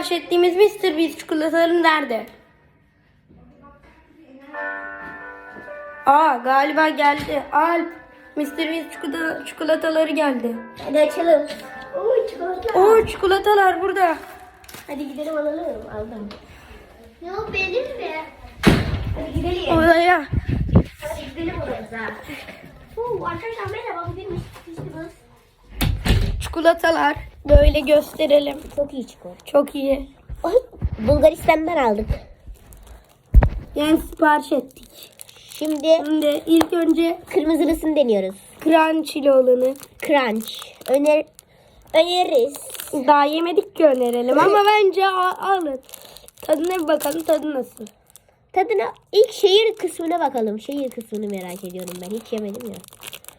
sipariş ettiğimiz Mr. Beast çikolataları nerede? Aa, galiba geldi. Alp, Mr. Beast çikolataları geldi. Hadi açalım. Oo çikolata. Oo, çikolatalar burada. Hadi gidelim alalım. Aldım. Ne o benim mi? Hadi gidelim. Odaya. Hadi gidelim odamıza. Oo arkadaşlar merhaba. Bugün Fistibus. Çikolatalar böyle gösterelim. Çok iyi çikolata. Çok iyi. Ay, Bulgaristan'dan aldık. Yani sipariş ettik. Şimdi Şimdi ilk önce kırmızılısını deniyoruz. crunch'li olanı. Crunch. Öneririz. Daha yemedik ki önerelim ama bence alın. Tadına bir bakalım, tadı nasıl? Tadına ilk şehir kısmına bakalım. Şehir kısmını merak ediyorum ben. Hiç yemedim ya.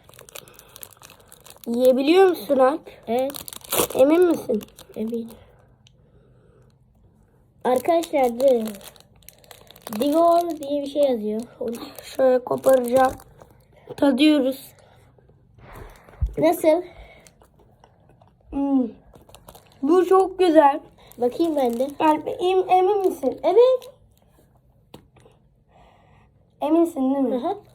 Yiyebiliyor musun Alp? Evet. Emin misin? Eminim. Arkadaşlar Dior diye bir şey yazıyor. Şöyle koparacağım. Tadıyoruz. Nasıl? Bu çok güzel. Bakayım ben de. Alp, emin misin? Evet. Eminsin değil mi? Hı hı.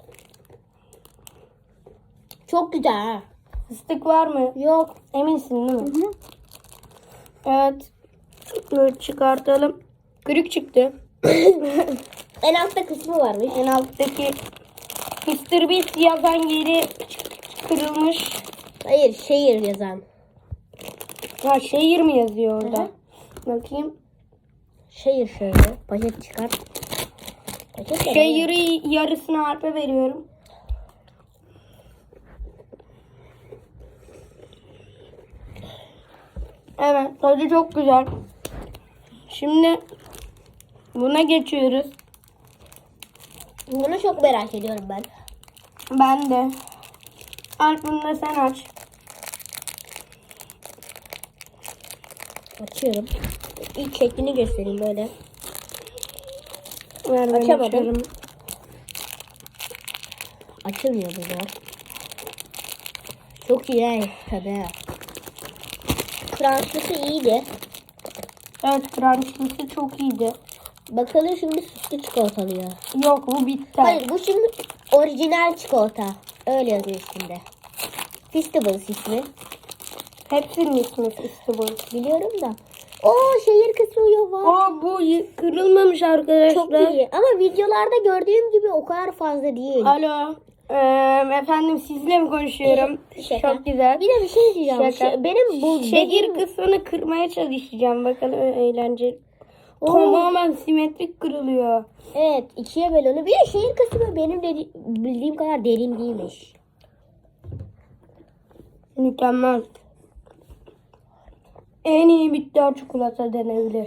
Çok güzel ha. Fıstık var mı? Yok. Eminsin değil mi? Hı hı. Evet. Böyle çıkartalım. Kırık çıktı. En altta kısmı varmış. En alttaki Mr. Beast yazan yeri kırılmış. Hayır şehir yazan. Ha, şehir mi yazıyor orada? Hı Bakayım. Şehir şöyle. Paket çıkar. Paket de Şehri yarısını Alp'e veriyorum. Evet, tadı çok güzel. Şimdi buna geçiyoruz. Bunu çok merak ediyorum ben. Ben de. Alp, bunu da sen aç. Açıyorum. İlk şeklini göstereyim böyle. Ver, ben Açamadım. açarım. Açılmıyor bunlar. Çok iyi he, tadı. Crunchlısı iyiydi. Evet, crunchlısı çok iyiydi. Bakalım şimdi sütlü çikolatalı ya. Yok, bu bitti. Hayır bu şimdi orijinal çikolata. Öyle yazıyor üstünde. Festivals ismi. Hepsinin ismi Festival. Biliyorum da. Oo şehir kısmı yok var. O bu kırılmamış arkadaşlar. Çok iyi. Ama videolarda gördüğüm gibi o kadar fazla değil. Alo. Efendim, sizle mi konuşuyorum? Şaka. Çok güzel. Bir de bir şey diyeceğim. Şaka. Benim bu Şehir kısmını kırmaya çalışacağım. Bakalım, eğlenceli. Oo. Tamamen simetrik kırılıyor. Evet ikiye böl onu. Bir de şehir kısmı benim bildiğim kadar derin değilmiş. Mükemmel. En iyi bitter çikolata denebilir.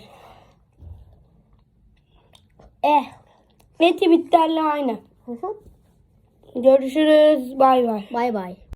Eti bitterle aynı. Hı hı. Görüşürüz. Bay bay. Bay bay.